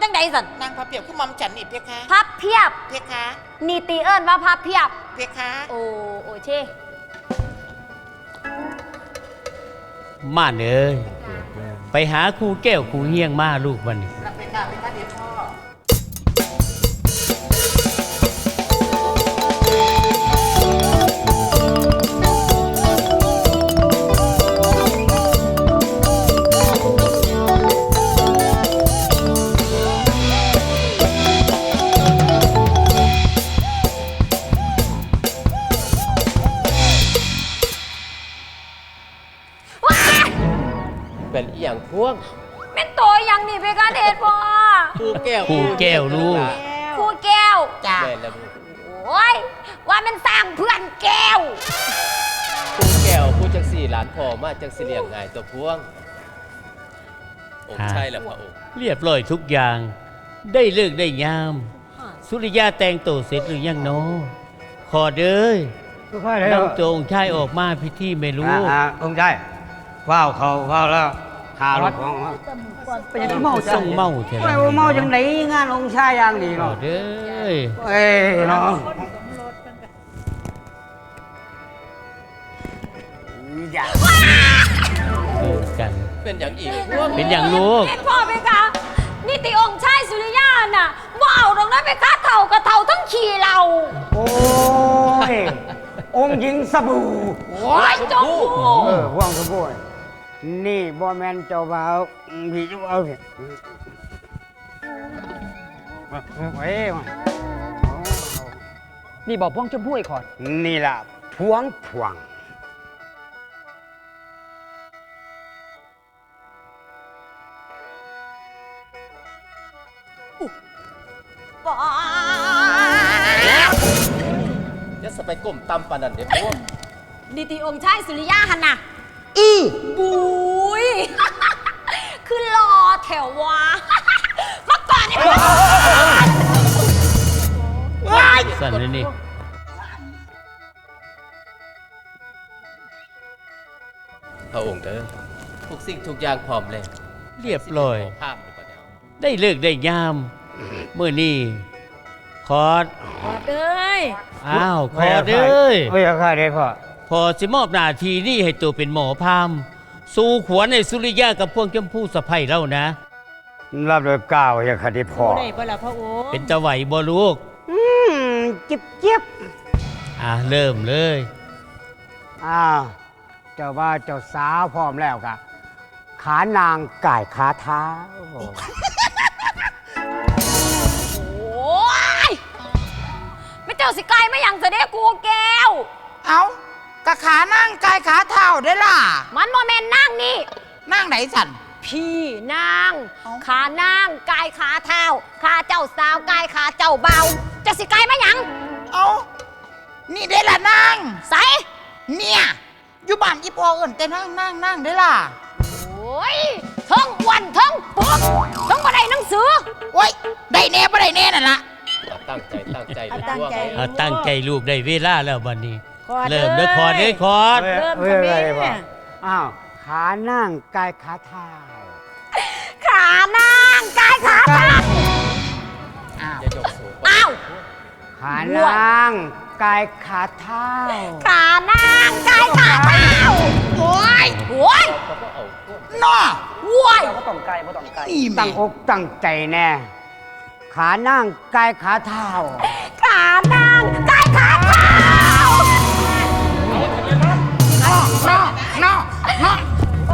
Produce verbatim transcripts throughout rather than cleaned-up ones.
จังใดสันนางพับเพียบคือมอมฉันนี่เพคะพับเพียบเพคะนี่ตีเอิญว่าพับเพียบเพคะโอ้โอเชมาเอ้ยไปหาครูแก้วครูเฮียงมาลูกวันนี้รับเพคะเพคะเดี๋ยวพ่อเป็นอีหยังพวงเป็นโตยังนี่เพคะเดชพ่อครูแก้วครูแก้วลูกครูแก้วจ้าแม่แล้วลูกโอ้ยว่ามันสร้างเพื่อนแก้วครูแก้วผู้จังสี่หลานพ่อมาจังสิเลียงง่ายตัวพวงองค์ใช่แล้วพระองค์เรียบร้อยทุกอย่างได้เลิกได้ยามสุริยาแต่งตัวเสร็จหรือยังโนขอเด้ยนำตัวองค์ชายออกมาพิธีไม่รู้องค์ชายว้าวเขาว้าวแล้วขาลูกของเป็นยังไงเมาจังเมาเถอะไม่เมาจังไหนงานองค์ชายอย่างนี้เนาะเด้อเอ้ยเนาะอย่ากันเป็นอย่างอีกพวงเป็นอย่างลูกเป็นพ่อเพคะนี่ตีองค์ชายสุริยาน่ะว่าเอาตรงนั้นไปฆ่าเท่ากับเท่าทั้งขี่เราโอ้ยองค์หญิงสบู่โอ้ยจงหูเออว่างสบู่นี่บ่แมนเจ้าบ่าวพี่เจ้าบ่าวพี่เฮ้ยนี่บอกพวงชมพู่ไอ้ขอดนี่ล่ะพวงพวงจะสไปก้มตำปานนันเดี๋ยวพวงนี่ตีองค์ชายสุริยาหันน่ะอือบุยคือรอแถววะมาก่อนไอ้พวกว้ายสั่นเลยนี่พระองค์เด้อทุกสิ่งทุกอย่างพร้อมแล้วเรียบร้อยภาพอยู่ปะเนี่ยได้เลิกได้ยามเมื่อนี้ขอดขอดเอ้ยอ้าวขอดเอ้ยไม่อยากฆ่าได้พ่อพอสิมอบหน้าทีนี่ให้ตัวเป็นหมอพามสู่ขวัญในสุริยากับพวกเจ้าผู้สะใภ้เล่านะรับโดยก้าวอยากฆ่าได้พ่อได้บ่ล่ะพระโอเป็นตะไหวบ่ลูกอืมจิบจิบอ่ะเริ่มเลยอ้าวเจ้าว่าเจ้าสาวพร้อมแล้วกะขานางก่ายขาเท้าโอ้ยไม่เจ้าสิไกลไม่ยังเสด็จกูแก้วเอากะขานั่งกายขาเท้าได้ล่ะมันโมเมนนั่งนี่นั่งไหนสันพี่นางขานั่งกายขาเท้าขาเจ้าสาวกายขาเจ้าเบาจะสิไกลไม่ยังเอานี่ได้ล่ะนั่งใส่เนี่ยอยู่บ้านอีพอเอิญแต่นั่งนั่งนั่งได้ล่ะโอ้ยทั้งวันทั้งปุ๊บทั้งบันไดหนังสือโอ้ยได้แน่บ่ได้แน่นั่นล่ะตั้งใจตั้งใจตั้งใจตั้งใจลูกได้เวลาแล้ววันนี้เริ่มด้วยคอร์ดด้วยคอร์ดเริ่มค่ะแม่อ้าวขานั่งกายขาเท้าขานั่งกายขาเท้าอ้าวอ้าวขานั่งกายขาเท้าขานั่งกายขาเท้าโอ้ยโอ้ยน่อโอ้ยก็ต้องไกลก็ต้องไกลตั้งอกตั้งใจแน่ขานั่งกายขาเท้าขานั่งกายขาเท้าน่อน่อน่อ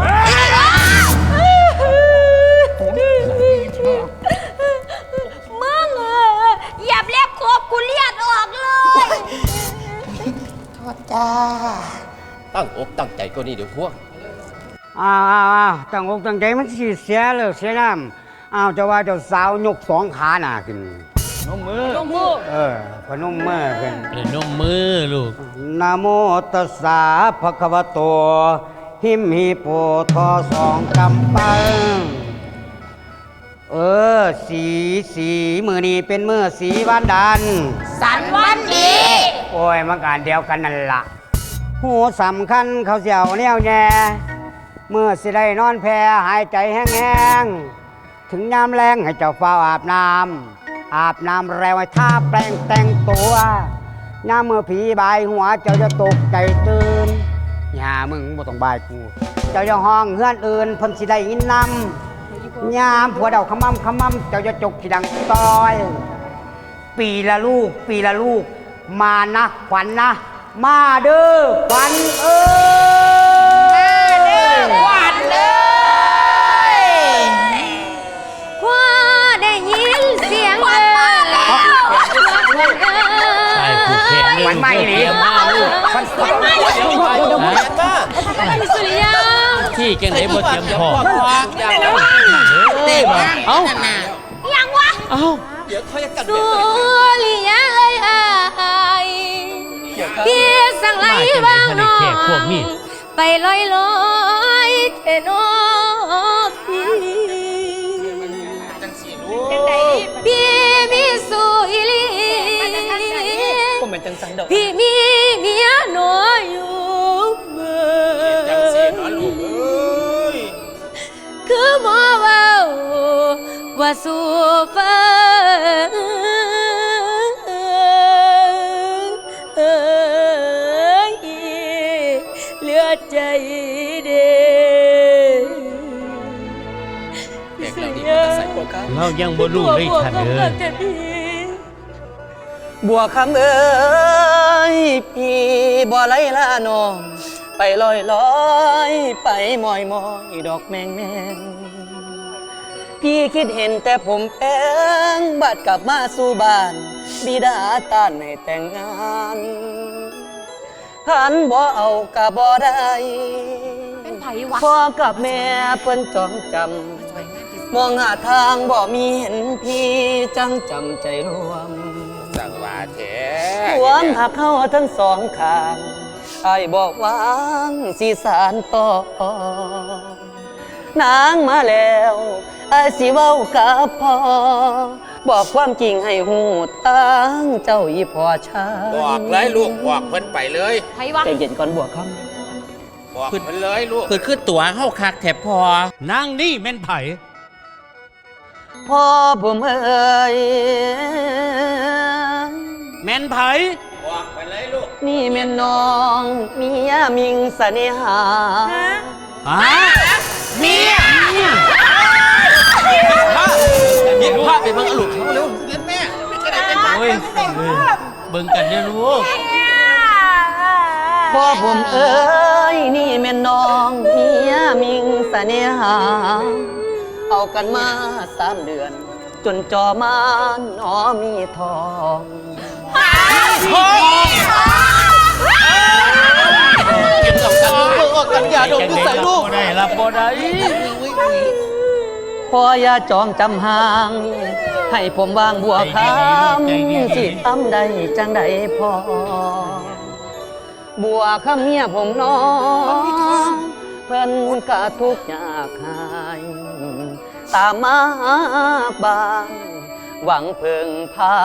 มึงเอออย่าเรียกครบกูเลียดออกเลยโทษจ้าตั้งอกตั้งใจก็นี่เดี๋ยวพวงอ้าวอ้าวอ้าวตั้งอกตั้งใจมันสิเสียเลยเสียน้ำอ้าวจะว่าเจ้าสาวยกสองขาหน้าขึ้นนมมือนมมือเออพนมมือขึ้นเป็นนมมือลูกนะโมตัสสะภะคะวะโตหิมหิโปทอสองกำปังเออสีสีมือนี้เป็นมือสีวันดันสันวันดีโอ้ยมันการเดียวกันนั่นละหูสำคัญเขาเสียวแนวแน่เมื่อสิได้นอนแพหายใจแห้งๆถึงยามแรงให้เจ้าเฝ้าอาบน้ำอาบน้ำแล้วให้ท่าแปลงแต่งตัวยามเมื่อผีบายหัวเจ้าจะตกใจตื่นอย่ามึงบ่ต้องบายกู เจ้าจะห้องเฮือนอื่นเพิ่นสิได้ยินนำยามผัวเดาขมำขมำเจ้าจะจกสิดังต้อย ปีละลูก ปีละลูก มานะขวัญนะ มาเด้อขวัญเอ้ยหวานเลยพอได้ยินเสียงเอ่ยใช่ผูกแขนเลยขวัญไม่หนีเตรียมมาลูกขวัญขวัญเดี๋ยวไปเดี๋ยวมาสุริยาที่จังไหนบ่เตรียมพร้อมอย่างนั้นเต้บ่เอ้ายังวะเอ้าเดี๋ยวค่อยกันสุเดี๋ยวริยาเอ้ยอายพี่สั่งไหลบ้างน้องไปลอยลอยเทนอพี่พี่มีสุอิลีผมเป็นจังสันดอกพี่มีเมียน้อยอยู่เมืองจังสีนอนลูกเอ้ยคือหมอเว่าว่าสู่ฟังเหลือใจเด้เด็กเหล่านี้มันจะใส่พวกเขาเรายังบ่รู้เลยท่านเอ้ยบัวคำเอ้ยพี่บ่ไหลละน้องไปลอยลอยไปมอยมอยดอกแมงแมงพี่คิดเห็นแต่ผมแป้งบัดกลับมาสู่บ้านบิดาต้านให้แต่งงานหันบ่เอากะบ่ได้เป็นไผวะพ่อกับแม่เพิ่นจองจำมองหาทางบ่มีเห็นพี่จังจำใจรวมสั่งว่าแท้หวมหักเข้าทั้งสองข้างไอ้ายบอกวางสีสารต่อนางมาแล้วไอ้ายสิเว้ากับพ่อบอกความจริงให้หูตั้งเจ้าอีพ่อชายบอกเลยลูกบอกเพิ่นไปเลยไผวะใจเย็นก่อนบวกคบอกเพิ่นเลยลูกเกิดขึ้นตัวเฮาคักแถบพอนางนี่แม่นไผำพ่อผมเอ่ยแม่นไผบอกไปเลยลูกนี่แม่นน้องเมียมิงเสน่หาฮะเมียเมียเย็นพาไปเบิ่งเอาลูกเขาเร็วโอ้ยเบิ่งกันเด้อลูกพ่อผมเอ้ยนี่แม่นน้องเมียมิงเสน่หา เอากันมาสามเดือน จนจอมานหนอมีทองเก็บกับกันลูกกันยาดมอยู่ใส่ลูกบ่ได้รับบ่ได้พ่ออย่าจองจำห่าง ให้ผมวางบัวคำสิทำได้จังใดพอ บัวคำเมียผมน้องเพิ่นกะทุกข์ยากหายตามมาบ้านหวังเพิ่งพา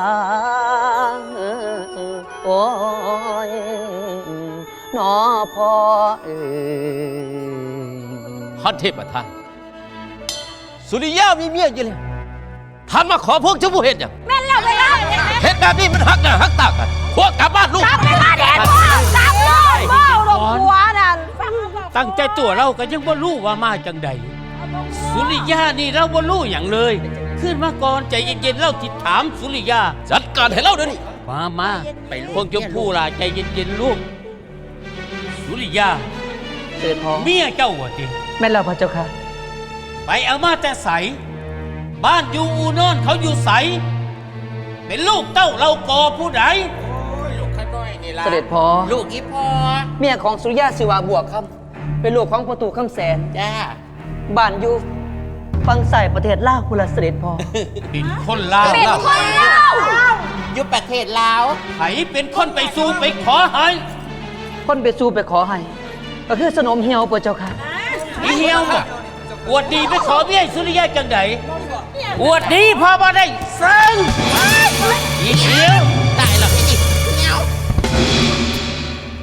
โอ้ยนอพ่อเอ้ยฮอตเทพอ่ะท่านสุริยามีเมียอยู่แล้วท่านมาขอพวกเจ้าผู้เห็ดอย่างแม่นแล้วไปแล้วเห็ดแบบนี้มันหักหน้าหักตากันพวกกลับบ้านลูกกลับไปบ้านแดดพ่อกลับเลยพ่อหลงหัวน่ะฟังตั้งใจตัวเราก็ยังบ่รู้ว่ามาจังใดสุริยานี่เราบ่รู้หยังเลย ขึ้นมาก่อนใจเย็นๆเล่าติดถามสุริยาจัดการให้เราเดี๋ยวนี้มามาไปพวกชมพู่ล่ะใจเย็นๆลูก สุริยาเสด็จพ่อเมียเจ้าว่าติแม่นแล้วพระเจ้าค่ะไปเอามาแต่ใส บ้านอยู่อูนอนเขาอยู่ใส เป็นลูกเต้าเรากอผู้ใดลูกข้าน้อยนี่ล่ะเสด็จพ่อลูกอีพอเมียของสุริยาสิวาบวกคำเป็นลูกของประตูคำแสนจ้าบ้านอยู่ฟังใส่ประเทศลาวคุลเสด็จพ่อเป็นคนลาวเป็นคนเล่าอยู่ประเทศลาวไผเป็นคนไปสู่ไปขอให้คนไปสู้ไปขอให้ ก็คือสนมเหี่ยวพระเจ้าค่ะอีเหี่ยวบ่อวดดีไปขอเบี้ยสุริยะจังไดอวดดีพอบ่ได้ซึ่งอีเหี่ยวตายแล้วพี่เงี้ยว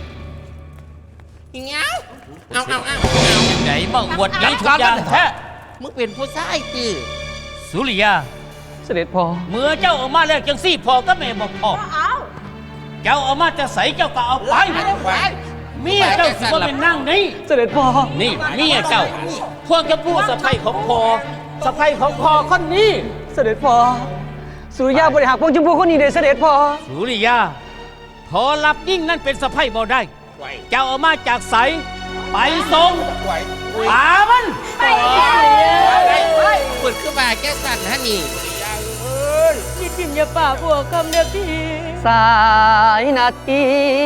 เงี้ยวเอาเอาเอาจังไดมาอวดดีทุกอย่างแท้มึงเป็นผู้ชายติสุริยาเสด็จพ่อเมื่อเจ้าออกมาแล้วจังซี่พอก็แม่บอกพอเจ้าเอามาจะใส่เจ้าก็เอาไปเมียเจ้าสิว่าเป็นนั่งนี่เสด็จพ่อนี่เมียเจ้า พวกเจ้าพูดสะใภ้ของพอสะใภ้ของพอคนนี้เสด็จพ่อสุริยาบริหารพวงชมพูคนนี้เด้อเสด็จพ่อสุริยา พอรับยิ่งนั่นเป็นสะใภ้บ่ได้ เจ้าเอามาจากใสไปส่งปามันไปเลยเปิดขึ้นมาแก้สั่นฮะนี่อย่าทิมอย่าป่าบัวคำเด้อพี่สายนาที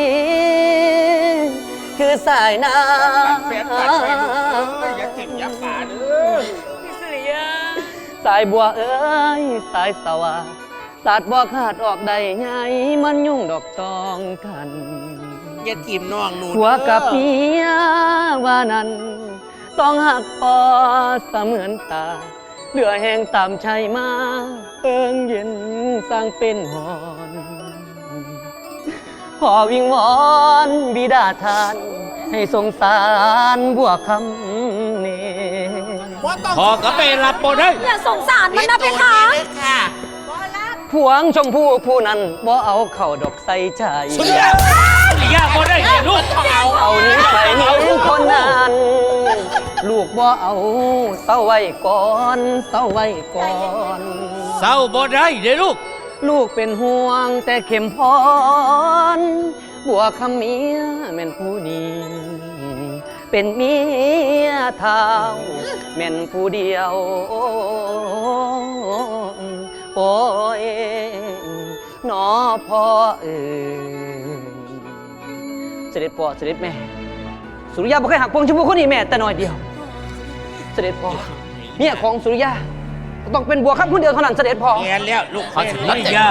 คือสายน้พี่สุริยาำสายบัวเอ้ยสายสวาสาดบ่ขาดออกได้ไงมันยุ่งดอกตองกันอย่าทีมน้องหนูหัวกับเมียว่านั้น ต้องหักพอเสมือนตาเหลือแห้งตามชัยมาเอิงเย็นสร้างเป็นหอน ขอวิงวอนบิดาทาน ให้สงสารบัวคำเนพอก็ไปรับบ่ได้อย่าสงสารมันนะเพคะค่ะพวงชมพู่ผู้นั้นบ่เอาเข่าดอกใส่ใจสุริยาบ่ได้เดี๋ยวลูกเอานี้ใส่นี้คนนั้น ลูกบ่เอาเศร้าไว้ก่อนเศร้าไว้ก่อนเศร้าบ่ได้เดี๋ยวลูกลูกเป็นห่วงแต่เข็มพรบัวคำเมียแม่นผู้นี้เป็นเมียเท้าแม่นผู้เดียวโอ้ยหนอพ่อเอ๋ยเสด็จพ่อเสด็จแม่สุริยาบ่เคยหักพวงชมพูคนนี้แม่แต่น้อยเดียวเสด็จพ่อเมียของสุริยาต้องเป็นบัวคำคนเดียวเท่านั้นเสด็จพ่อแอนแล้วลูกขอสุริยา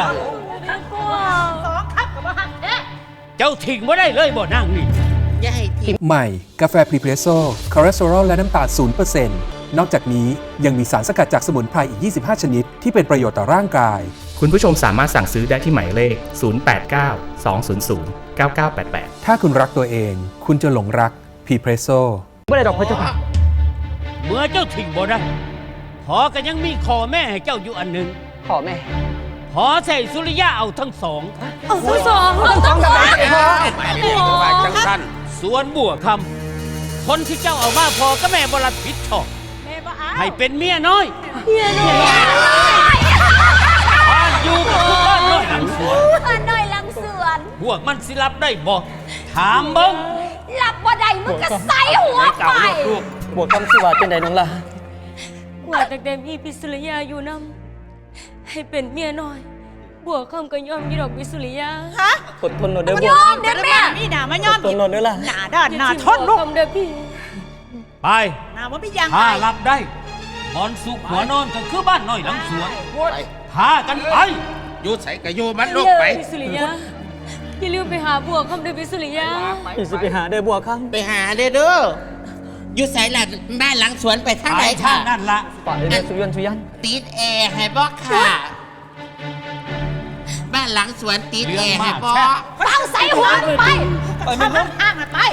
เจ้าทิ้งบ่ได้เลยบ่นั่งนี่อย่าให้ทีมใหม่ กาแฟพรีเพรสโซ่คอเลสเตอรอลและน้ำตาล ศูนย์เปอร์เซ็นต์ นอกจากนี้ยังมีสารสกัดจากสมุนไพรอีก ยี่สิบห้า ชนิด ที่เป็นประโยชน์ต่อร่างกายคุณผู้ชมสามารถสั่งซื้อได้ที่หมายเลข ศูนย์ แปด เก้า สอง ศูนย์ ศูนย์ เก้า เก้า แปด แปดถ้าคุณรักตัวเอง คุณจะหลงรักพรีเพรสโซ่ไม่ได้ดอกพระเจ้าค่ะเมื่อเจ้าทิ้งบ่ได้ พอก็ยังมีขอแม่ให้เจ้าอยู่อันหนึ่งขอแม่พอใส่สุริยาเอาทั้งสองเอาทั้งสองเอาทั้งสองจังสั้นส่วนบัวคำคนที่เจ้าเอามาพอก็แม่บรับผิดชอบให้เป็นเมียน้อยเฮียหน่อยบ้านอยู่กับทุกบ้านน้อยหลังสวนอันหน่อยหลังสวนพวกมันสิรับได้บ่ถามเบิ้งหลับบ่ได้มึงก็ใส่หัวไปบวกคำสิว่าเป็นใดน้องล่ะว่าแต่เดมีพิสุริยาอยู่นำให้เป็นเมียน้อยบวกคำก็ยอมยี่ดอกพิสุริยาอดทนหน่อยเด้อมันบยวกอมเด็ดแม่นี่ด่ามาย่อมอดทนหน่อยเด้อล่ะหนาด้านหนาทนลูกคำเด้อพี่ไปหนาว่าไม่ยังถ้ารับได้นอนสุขหัวนอนก็คือบ้านน้อยหลังสวนพากันไปอยู่ใส่กระโยมันลูกไปพิสุริยาอย่าลืมไปหาบวกคำเด้อพิสุริยาพี่สิไปหาเด้อบวกคไปหาเด้อเด้ออยู่ใส่หลังบ้านหลังสวนไปทางไปไหนทาค่ะงนั่นละำป่าเด้อสุยันสุยันติดแอร์ให้บอกค่ะ บ้านหลังสวนติดแอร์ให้บอกเป้าใส่หัวไปไปไม่พ้นห้างไป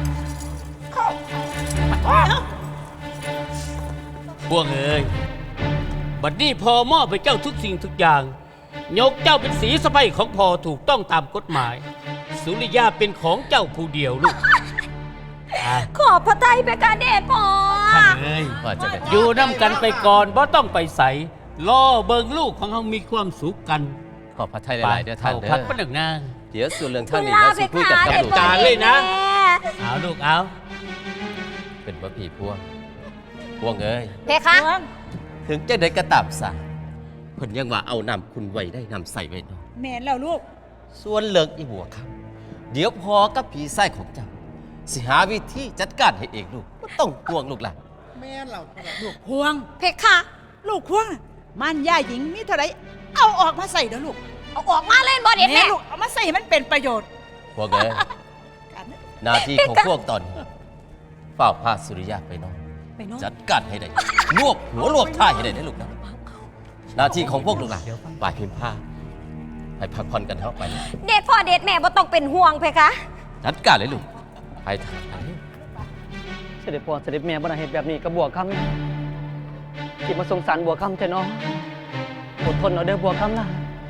พวกเอ้ยบัดนี้พอมอบไปเจ้าทุกสิ่งทุกอย่าง ยกเจ้าเป็นสีสะใภ้ของพอถูกต้องตามกฎหมาย สุริยาเป็นของเจ้าผู้เดียวลูกอ่ะขอบพระทัยไปการเดชพอท่านเอ้ยว่าจะได้อยู่น้ำกันไปก่อนเพราะต้องไปใส่ล่อเบิงลูกของเขามีความสุขกันขอบพระทัยหลายๆเด้อท่านเด้พัดอประหนึ่งนางเดี๋ยวส่วนเรื่องคุท่านณนี่ลาเราไปสิคุยกับขาท่าเด็นดดูจานเลยนะ เอาลูกเอาเป็นพระผีพวงพวงเอ้ยเพคะถึงจะได้กระตับสาเพิ่นยังว่าเอานำคุณไว้ได้นำใส่ไว้เนาะแม่นแล้วลูกส่วนเลิกอีบัวครับ เดี๋ยวพอกับผีไส้ของเจ้า สิหาวิธีจัดการให้เองลูกบ่ต้องห่วงลูกหลานแม่เราลูกพวงเพคะลูกพวงน่ะมันย่าหญิงมีเท่าไรเอาออกมาใส่เด้อลูกเอาออกมาเล่นบอเด็ดแม่ลูกเอามาใส่ให้มันเป็นประโยชน์พวกเอ้ยกันหน้าที่ของพวกตอนนี้เฝ้าพาสุริยะไปนอนไปนอนจัดการให้ได้รวบหัวรวบท่าให้ได้นะลูกนะหน้าที่ของพวกลูกหลานป่ายพิมพ์ผ้าให้พักผ่อนกันเถอะไปเลยเด็ดพ่อเด็ดแม่บ่ต้องเป็นห่วงเพคะจัดการเลยลูกไปทางไปเสด็จพ่อเสด็จแม่บ่ได้เฮ็ดแบบนี้กับบวกคำที่มาสงสารบัวคำเถอะเนาะอดทนเอาเด้อบัวคำนะ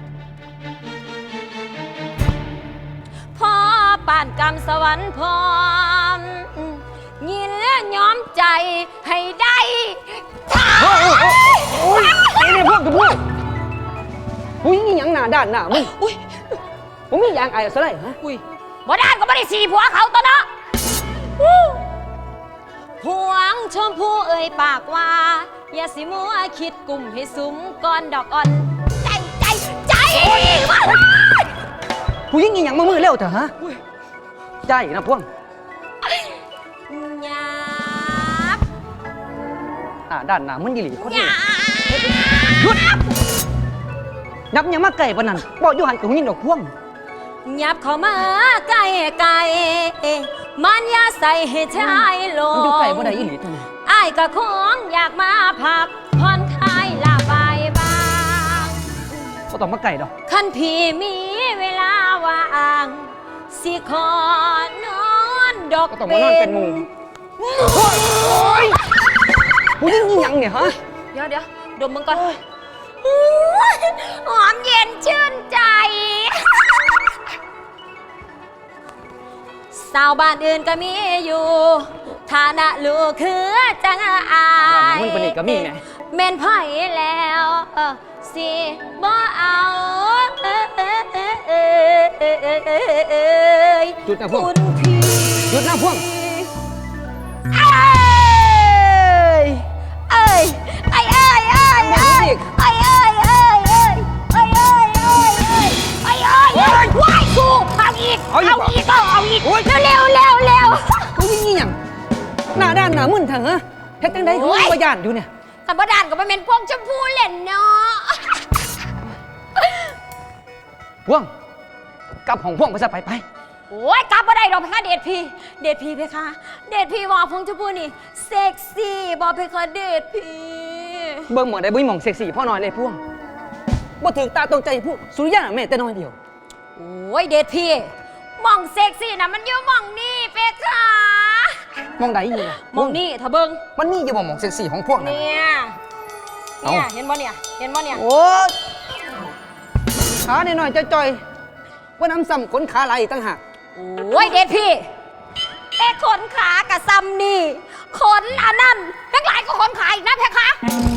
พ่อป่านกรรมสวรรค์พร้อมยินและย้อมใจให้ได้นี่นี่พวกกับพวกอุ้ยนี่ยังหนาด้านหนามึงอุ้ยผมมีอย่างไอ้ซะเลยฮะอุ้ยบ่ด้านก็ไม่ได้สีผัวเขาตัวเนาะหวงชมพู่เอ่ยปากว่าอย่าสิมัวคิดกลุ่มให้สุมก่อนดอกอ่อนใจใจใจว่าผู้หญิงนี่ยังมามือเร็วเถอะฮะใจนะพวงหยาบอ่าด้านหนามึงยี่หลีคนหนี้ยาหยุดนับยังมาไก่ปนนั้นบอกอยู่หันกับผู้หญิงดอกพวงหยับเข้ามาใกล้ไกลมันอย่าใส่ให้ชายลงมันอยู่ไก่บ่ได้ยี่หลีตัวนี้อ้ายก็คงอยากมาพักผ่อนคลายลาบายบ้างก็ต้องมาไก่ดอกคันพี่มีเวลาว่างสิขอนอนดอกก็ต้องมานอนเป็นหมู่ผู้หญิงนี่ยังเนี่ยฮะเดี๋ยวเดี๋ยวดมมึงก่อนหอมเย็นชื่นใจสาวบ้านอื่นก็มีอยู่ฐานะลูกคือจังอายมึงเป็นอีกก็มีไงเม่นไผ่แล้วสิบ่เอาเอ้ยหยุดนะพวกคุณพี่หยุดนะพวงเอ้ยเอ้ยเอ้ยเอ้ยเอ้ยเอ้ยเอ้ยเอ้ยเอ้ยเอ้ยเอ้ยเอ้ยเอ้ยเอ้ยเอ้ยเอ้ยเอ้ยว้ายกูเอาอีกเอาอีกก็เอาอีกเร็วเร็วเร็วผู้หญิงนี่ยังหน้าด้านหนามึนเถอะฮะเฮ็ดจังได๋เขาบ่ย่านอยู่เนี่ยแต่บ่ดานก็บ่แม่นพวกชมพูเล่นเนาะพวงกลับของพวงไปซะไปไปโอ้ยกลับบ่ได้ดอกเพคะเดชพี่เดชพี่เพคะเดชพี่ว่าพงชมพูนี่เซ็กซี่บ่เพคะเดชพี่เบิ่งหมอได้บ่มีหม่องเซ็กซี่พ่อน้อยเลยพวงบ่ถึงตาตรงใจพวกสุริยะน่ะแม่แต่น้อยเดียวโอ้ยเดชพี่หม่องเซ็กซี่น่ะมันอยู่หม่องนี่เพคะมองใดอยู่ล่ะหม่องนี่ถ้าเบิ่งมันมีอยู่บ่หม่องเซ็กซี่ของพวกนั้นเนี่ยเนี่ยเห็นบ่เนี่ยเห็นบ่เนี่ยโอ้ขาหน่อยๆจ่อยๆว่าน้ำซ้ำขนขาไหลอีกต่างหากโอ้ยเดชพี่แต่ขนขากะซ้ำนี่ขนอันนั้นแพงหลายก็ขนขาอีกนะเพคะ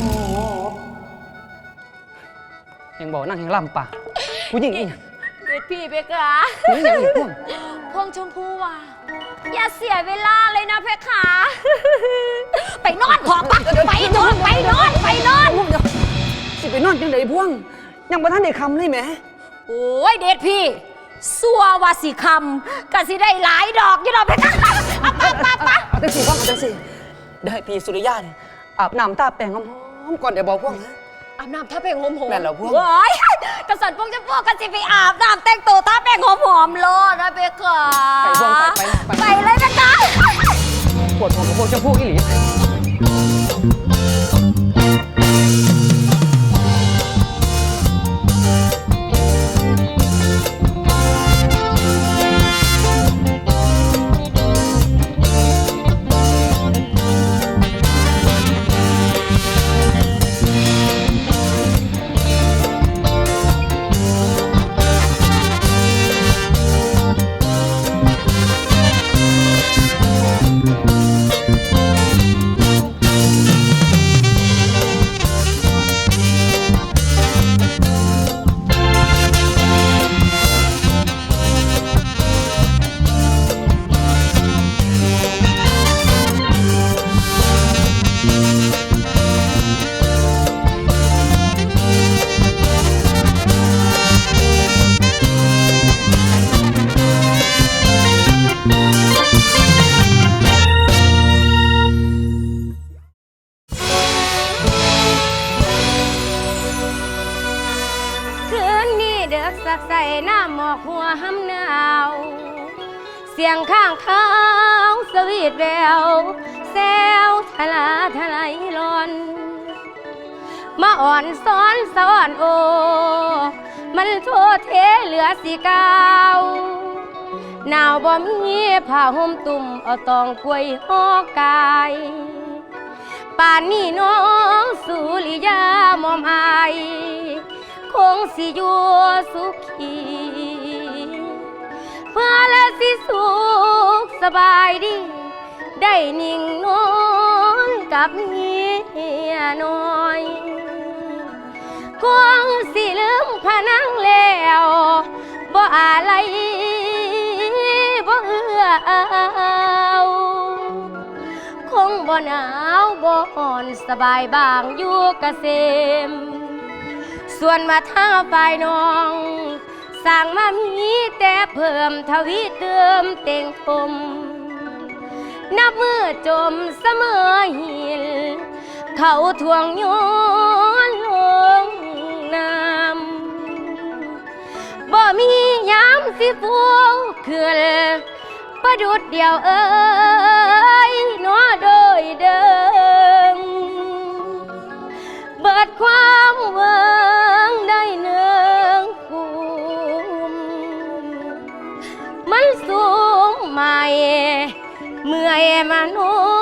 ยังบอกนั่งยังล่ำปากผู้หญิงนี่เดชพี่เพคะผู้หญิงอย่างนี้พวกพวงชมพูว่ะอย่าเสียเวลาเลยนะเพคะ ไปนอนขอปักไปนอนไปนอนไปนอนพวกเดี๋ยวสิไปนอนจังไดพวงยังบ่ทันได้คำเลยแหมโอ้ยเดชพี่สัววาสิคำกะสิได้หลายดอกอยู่ดอกเพคะเอาปะปะปะเอาจังสิพวกเอาจังสิได้พี่สุริยะเนี่ยอาบน้ำตาแปรงหอมๆก่อนเดี๋ยวบอกพวกนะอาบน้ำท่าแป้งหอมหอมแม่นแล้วพวกโอ้ยกระสันพวกจะพวกกันสิไปอาบน้ำแต่งตัวท่าแป้งหอมหอมๆโลดนะเพคะไปพวกไปไปไปเลยเพคะปวดหัวกับพวกเจ้าพวกอีหลีสักใส่หน้าหมอกหัวห้ำหนาวเสียงข้างเขาสวีทแววแซวทลาทลายลอนมาอ่อนซ้อนสอนโอมันโทษเทเหลือสีเกาวหนาวบ่มีผ้าห่มตุ่มเอาตองกล้วยห่อกายป่านนี้น้องสุริยามอมอายคงสิอยู่สุขีเพื่อและสิสุขสบายดีได้นิ่งนอนกับเมียน้อยคงสิลืมพะนังแล้วบ่อะไรบ่เอื้อเอาคงบ่หนาวบ่อ่อนสบายบางอยู่เกษมส่วนมาทางฝ่ายน้องสร้างมามีแต่เพิ่มทวีเติมเต็งปมนับมือจมเสมอหินเขาทวงโยนลงน้ำบ่มียามสิฟูขึ้นประดุดเดียวเอ้ยนัวโดยเดิมเบิดความหวังได้เนืองกุมมันสูงใหม่เมื่อยมาโน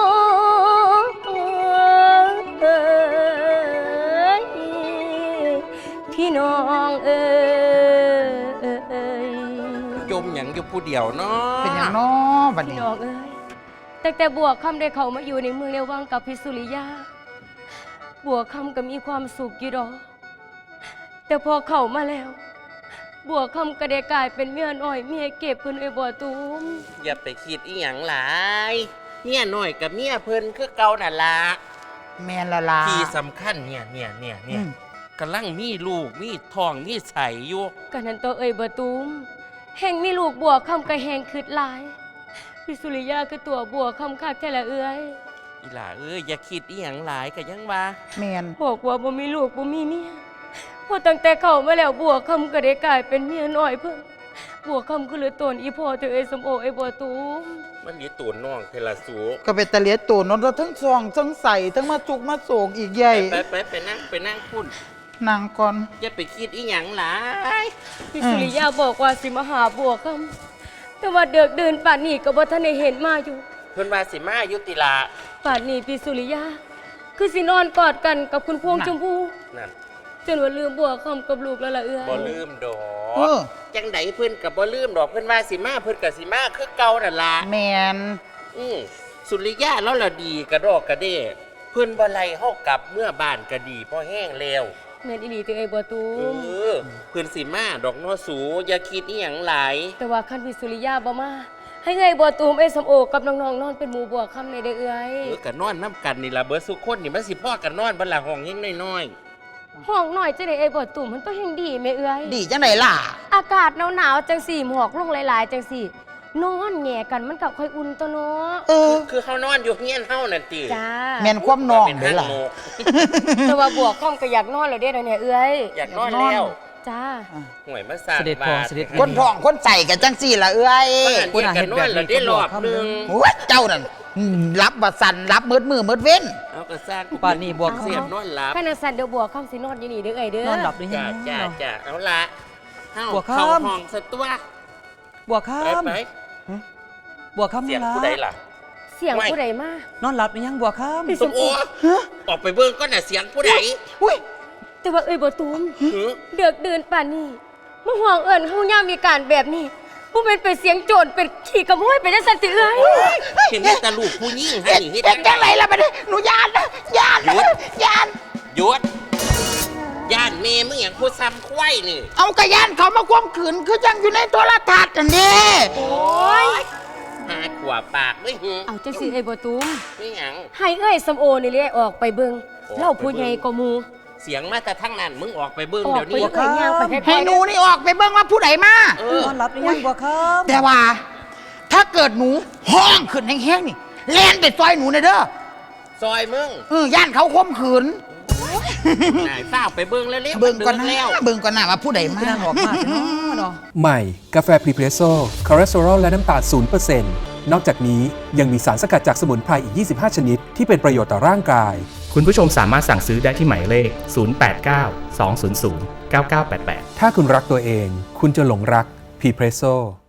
พี่น้องเอ้ยจมหยังอยู่ผู้เดียวเนาะเป็นอย่างน้อบัดพี่นี้น้องเอ้ยแต่แต่บัวคำได้เขามาอยู่ในเมืองในวังกับพิสุริยาบัวคำก็มีความสุขอยู่ดอกแต่พอเข้ามาแล้วบัวคำก็ได้กลายเป็นเมียน้อยเมียเก็บเพิ่นไอ้บัวตูมอย่าไปคิดอีหยังหลายเมียน้อยกับเมียเพิ่นคือเก่านั่นล่ะแม่นละล่ะที่สำคัญเนี่ยเนี่ยเนี่ยเนี่ยอืมกำลังมีลูกมีทองมีใสอยู่กันนั้นตัวเอ้ยบัวตูมแห่งมีลูกบัวคำก็แห่งคืดหลายพิสุริยาคือตัวบัวคำคักแท้ละเอ้ยอีหล่าเอ้ยอย่าคิดอีหยังหลายก็ยังว่าแม่นบอกว่าบ่มีลูกบ่มีเมียพอตั้งแต่เข้ามาแล้วบัวคำก็ได้กลายเป็นเมียน้อยเพิ่นบัวคำคือเหลือตนอีพ่อเธอเอ้ยสมโอไอ้บัวตูมมันมีตัวน้องเทลาสูก็เป็นตะเลียตูนนแล้วทั้งซองทั้งใส่ทั้งมาจุกมาโศกอีกใหญ่ไปไปไปนั่งไปนั่งพุ่นนางก่อนอย่าไปคิดอีหยังหลายพี่สุริยาบอกว่าสิมาหาบัวคำแต่ว่าเดือกเดินป่านนี้ก็บ่ทันได้เห็นมาอยู่เพิ่นว่าสิมายุติลาป่านนี้พี่สุริยาคือสินอนกอดกันกับคุณพวงชมพูนั่นจนว่าลืมบัวคำกับลูกแล้วล่ะเอื้อยบ่ลืมดอเอก อจังไดเพิ่นกับบ่ลืมดอกเพิ่นว่าสิมาเพิ่นกับสิมาคือเก่านั่นล่ะแม่นอือสุริยะแล้วละดีกระดอกกระเด้เพิ่นบ่ไล่เฮากลับเมื่อบ้านก็ดีพอแห้งแล้วแม่นอีหลีตัวเอ้ยบัวตูเอมอเพิ่นสิมาดอกน้อสูอย่าคิดอีหยังหลายแต่ว่าคันพี่สุริยาบ่มาให้เอ้ยบัวตูมไอ้สมโอกับน้องๆนอนเป็นหมู่บัวคำในเด้อเอื้อยเออก็นอนนํกันนี่ล่ะเบิดสุคนนี่มันสิพ่อกันนอนบ่ล่ะห้องเฮงน้อยห้องหน่อยจังได๋ไอ้บัวตูมมันต้องแห่งดีแม่เอื้อยดีจังไหนล่ะอากาศหนาวๆจังสี่หมอกลงหลายๆจังสี่นอนแหง่กันมันก็ค่อยอุ่นตัวเนาะเออๆคือเฮานอนอยู่เฮียนเฮานั่นติจ้าแม่นความน้องเป็นเด้ห้างล่ะโมกแต่ว่าบัวคำก็อยากนอนแล้วเด้อเนี่ยเอื้อยอยากนอนแล้วจ้าห่วยมาสร้างเสด็จพ่อบ้านเสด็จคนท้องคนใส่กันจังสี่ล่ะเอ้ยบ้านเดียวกันนอนแล้วได้รอบหนึงโอ้ยเจ้านั่นอืมรับบัดสันรับมืดมือมืดเว้นเอาก็สร้างป่านนี้บวกเสียบนอนหลับขณะสันเดี๋ยวบัวคำสินอนอยู่นี่เด้อเอ้ยเด้อนอนหลับหรือยัจ้าง จ้าเนาะจ้าเอาละเฮาบัวคำเข้าห้องสตัวบวกไปค่ำไปบวกค่ำเสียงล่ะผู้ใดล่ะเสียงผู้ใดมานอนหลับหรือยังบวกค่ำสมโอออกไปเบิ่งก็น่ะเสียงผู้ใดอุ้ยแต่ว่าเอ้ยบัวตูมหือเดือกเดินป่านนี้มาห่วงเอิญเฮาย่ามมีการแบบนี้ผู้เป็นเป็นเสียงโจรเป็นขี่ขโมยเป็นจังซั่นสิเอ้ยเห็นแต่ตาลูกผู้หญิงให้เฮ็ดนี่เฮ็ดเฮ็ดจังไหนล่ะบัดนี้หนูยานนะยานหยุดยานหยุดย่านเมมึงอย่างผู้ซ้ำควายนี่เอากระยานเขามาควมขืนคือจังอยู่ในโทรทัศน์อันนี้โอ้ยหาขวาปากด้วยหือเอาจังสิเอ้ยบัวตูมนี่หยังให้เอ้ยสมโอนี่เลยออกไปเบิ่งออกไปเบิ่งเล่าผู้ใหญ่กว่าหมู่เสียงมาแต่ทั้งนั้นมึงออกไปเบิ่งออกเดี๋ยวไปนี้เอ้ยย่างไปค่อยๆให้หนูนี่ออกไปเบิ่งว่าผู้ใดมาเออนอนหลับหรือยังบวกค่ำแต่ว่า ถ้าเกิดหนูห้องขึ้นแห้งๆนี่แล่นไปซอยหนูหน่อยเด้อซอยมึงเออย่านเขาควมขืนนายฝ้าวไปเบิ่งแล้วเร็วเบิ่งก่อนนะแล้วเบิ่งก่อนนะว่าผู้ใดมาคือนางออกมาเนาะเนาะใหม่ กาแฟพรีเพรสโซ่คอเลสเตอรอลและน้ำตาล ศูนย์เปอร์เซ็นต์ นอกจากนี้ยังมีสารสกัดจากสมุนไพรอีก ยี่สิบห้า ชนิด ที่เป็นประโยชน์ต่อร่างกายคุณผู้ชมสามารถสั่งซื้อได้ที่หมายเลข ศูนย์ แปด เก้า สอง ศูนย์ ศูนย์ เก้า เก้า แปด แปดถ้าคุณรักตัวเอง คุณจะหลงรักพรีเพรสโซ่